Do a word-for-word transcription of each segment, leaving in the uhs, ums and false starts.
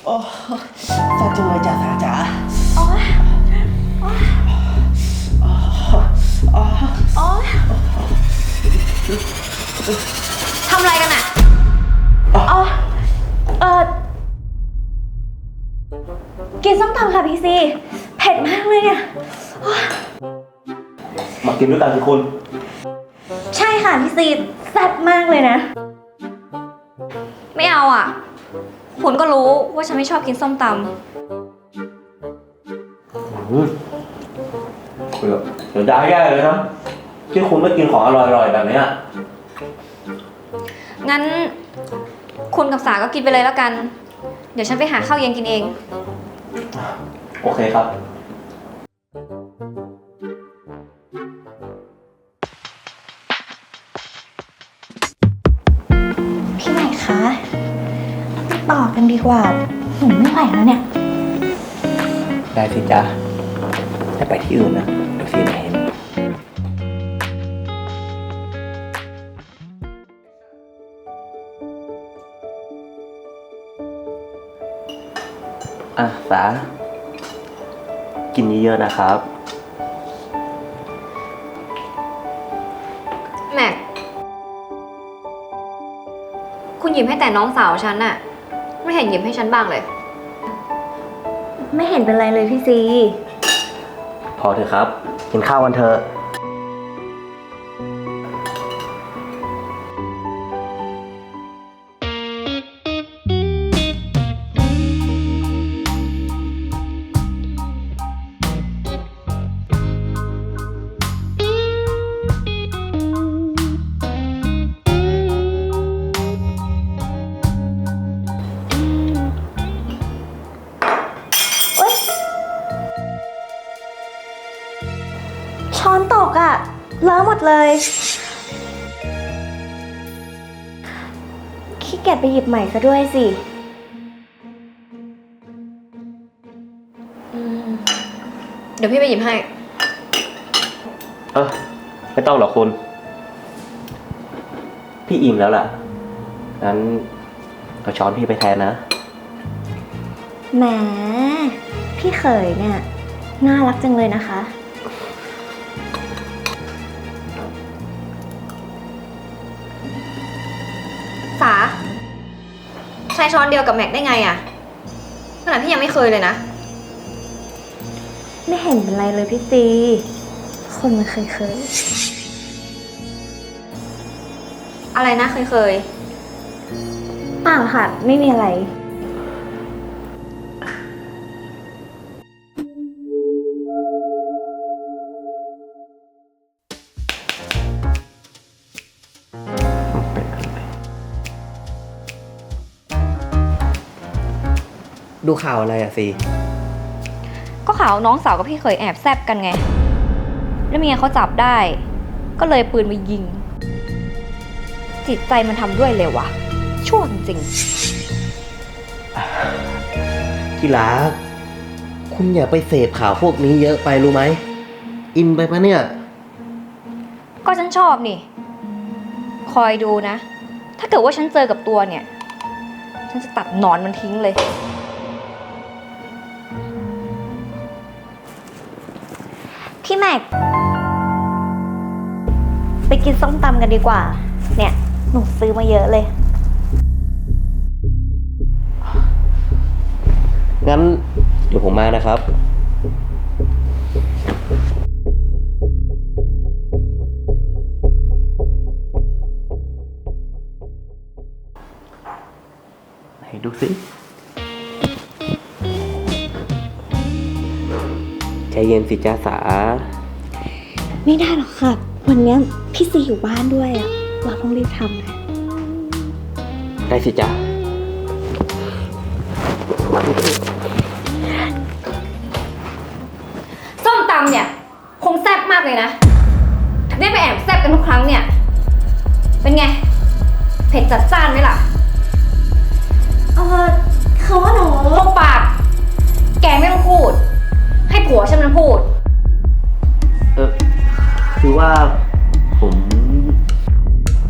โอ้แซ่บจังเลยจ้าสาจ๋าโอ๊ยโอ๊ยโอ๊ยทำอะไรกันอะอ๋อเออกินส้มตำค่ะพี่ซีเผ็ดมากเลยเนี่ยมากินด้วยกันสิคุณใช่ค่ะพี่ซีแซ่บมากเลยนะไม่เอาอ่ะคุณก็รู้ว่าฉันไม่ชอบกินส้มตำเดี๋ยวได้แย่เลยนะที่คุณไม่กินของอร่อยๆแบบนี้งั้นคุณกับสาก็กินไปเลยแล้วกันเดี๋ยวฉันไปหาข้าวเย็นกินเองโอเคครับพี่ใหม่คะต่อกันดีกว่าหนูไม่ไหวแล้วเนี่ยได้สิจ๊ะถ้าไปที่อื่นนะเดี๋ยวซีมาเห็นอ่ะสากินเยอะๆนะครับแม็กคุณหยิบให้แต่น้องสาวฉันน่ะไม่เห็นหยิบให้ฉันบ้างเลยไม่เห็นเป็นไรเลยพี่ซีพอเถอะครับกินข้าวกันเถอะช้อนตกอะเลอะหมดเลยขี้เกียจไปหยิบใหม่ซะด้วยสิเดี๋ยวพี่ไปหยิบให้เออไม่ต้องหรอกคุณพี่อิ่มแล้วล่ะงั้นเอาช้อนพี่ไปแทนนะแหมพี่เขยเนี่ยน่ารักจังเลยนะคะสาใช้ช้อนเดียวกับแม็กได้ไงอะขนาดพี่ยังไม่เคยเลยนะไม่เห็นเป็นไรเลยพี่ตีคนมันเคยเคยอะไรนะเคยเคยเปล่าค่ะไม่มีอะไรดูข่าวอะไรอะซีก็ข่าวน้องสาวกับพี่เคยแอบแซบกันไงแล้วเมียเขาจับได้ก็เลยปืนมายิงจิตใจมันทำด้วยเลยวะชั่วจริงที่รักคุณอย่าไปเสพข่าวพวกนี้เยอะไปรู้ไหมอินไปปะเนี่ยก็ฉันชอบนี่คอยดูนะถ้าเกิดว่าฉันเจอกับตัวเนี่ยฉันจะตัดหนอนมันทิ้งเลยพี่แม็กไปกินส้มตำกันดีกว่าเนี่ยหนูซื้อมาเยอะเลยงั้นเดี๋ยวผมมานะครับให้ดูสิใจเย็นสิจ้าสาไม่ได้หรอกค่ะวันนี้พี่ซีอยู่บ้านด้วยอะเราต้องรีบทำนะได้สิจ้าส้มตำเนี่ยคงแซ่บมากเลยนะถึงได้ไปแอบแซ่บกันทุกครั้งเนี่ยเป็นไงเผ็ดจัดจ้านไหมล่ะเออเขาว่าหนูลงปากแกไม่ต้องพูดให้ผัวฉันมันพูดเออคือว่าผม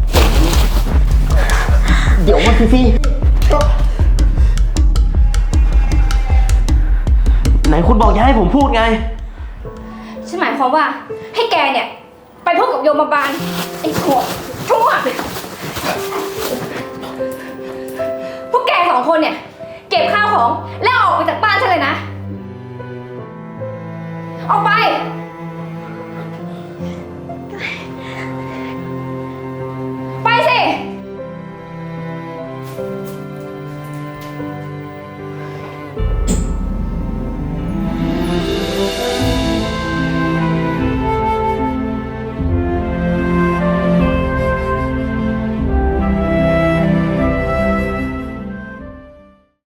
เดี๋ยวมาพี่คุณบอกอย่าให้ผมพูดไงฉันหมายความว่าให้แกเนี่ย ไปพบกับโยมบาลไอ้หัว